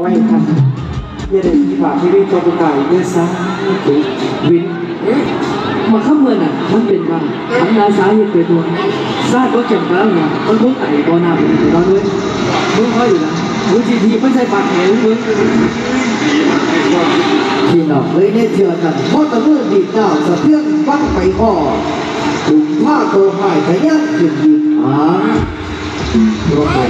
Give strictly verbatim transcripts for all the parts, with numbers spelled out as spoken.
ไว้ทันอย่าได้ที่บาปที่ได้ตัวกุกายเนี่ยซะถูกวินมาข้ามเมืองอ่ะมันเป็นว่าทำนาสาเหตุเกิดตัวซาดว่าเก็บแล้วเนี่ยมันคงไต่บ่อน้ำไปเราด้วยมึงค่อยอยู่นะมึงจีทีไม่ใช่ปากแข็งมึงพี่น้องเลยเนี่ยเชื่อกันเพราะตะเมื่อดีดาวสะเทือนฟังไปพ่อถุงผ้าโตหายขยันขึ้นยืนหางตัวไป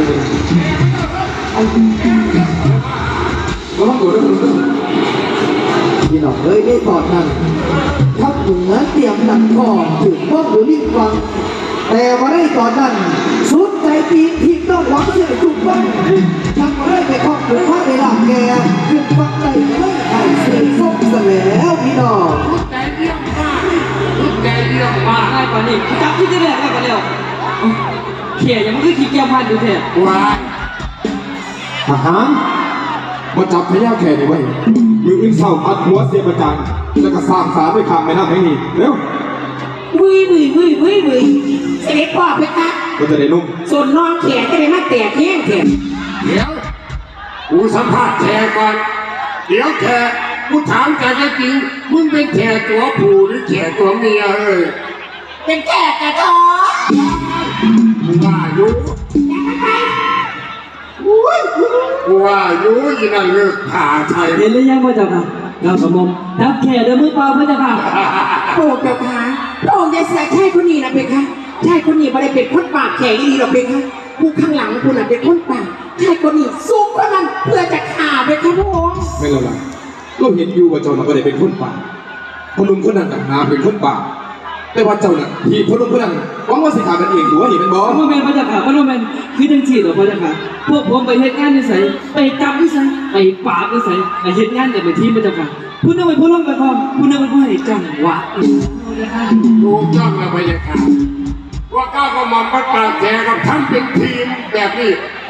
พี่น้องเลยได้ตอนนั้นทับถุงนั้นเตรียมดันคอถึงป้องหรือลิ้นฟังแต่มาได้ตอนนั้นสุดใจตีทีต้องหวังเสียจุกบ้างทำมาได้ไปครอบถึงผ้าในหลังแกขึ้นฟังใจไม่ไข่เสียส้มซะแล้วพี่น้องใจเยี่ยมมากใจเยี่ยมมากง่ายกว่านี้จับที่จะแรกง่ายกว่าเดียวเขี่ยยังไม่คือขี้เกียจพันดูเถอะว้าทหารมาจับพญาแขกนี่ไว้มืออึ้งเศร้าพัดหัวเสียประจันแล้วก็สร้างสารด้วยคำไม่น่าแห่งนี้เร็ววุ้ยวุ้ยวุ้ยวุ้ยวุ้ยเสด็จพ่อเพคะก็จะได้นุ่มส่วนน้องแขกจะได้มาแตกแห้งแขกเดี๋ยวกูสัมภาษณ์แขกก่อนเดี๋ยวแขกกูถามแกจริงมึงเป็นแขกตัวผู้หรือแขกตัวเมียเอ้ยเป็นแขกกระท้อมึงว่าอยู่กูว่าอยู่ยี่นั่นเลือกผ่าไทยเห็นหรือยังพ่อเจ้าค่ะเราสมมจับแข่เดินมือเปล่าพ่อเจ้าค่ะโอ้เจ้าค่ะพระองค์จะใส่ชายคนนี้นะเพคะชายคนนี้ไม่ได้เป็นคนปากแข็งดีหรอกเพคะผู้ข้างหลังคุณน่ะเป็นคนปากชายคนนี้ซุกเท่านั้นเพื่อจะฆ่าเพคะพระองค์ไม่ละละก็เห็นอยู่ว่าเจ้าน่ะไม่ได้เป็นคนป่าพนุ่มคนนั้นต่างหากเป็นคนป่าแต่ว่าเจ้าน่ะที่พนุ่มคนนั้นหวังว่าสิขากันเองตัวนี่เป็นบอสพ่อแม่พ่อเจ้าค่ะพ่อแม่คือจังสีหรอพ่อเจ้าค่ะพวกผมไปเหตุงานนิสัยไปจับนิสัยไปปราบนิสัยไปเหตุงานแต่ไปทีพ่อเจ้าค่ะผู้นึงเป็นผู้ร่วมกระทำผู้นึงเป็นผู้ให้จังหวะถูกต้องนะพยาค่ะว่าก้าวก็มาประกาศแขกกับท่านเป็นทีมแบบนี้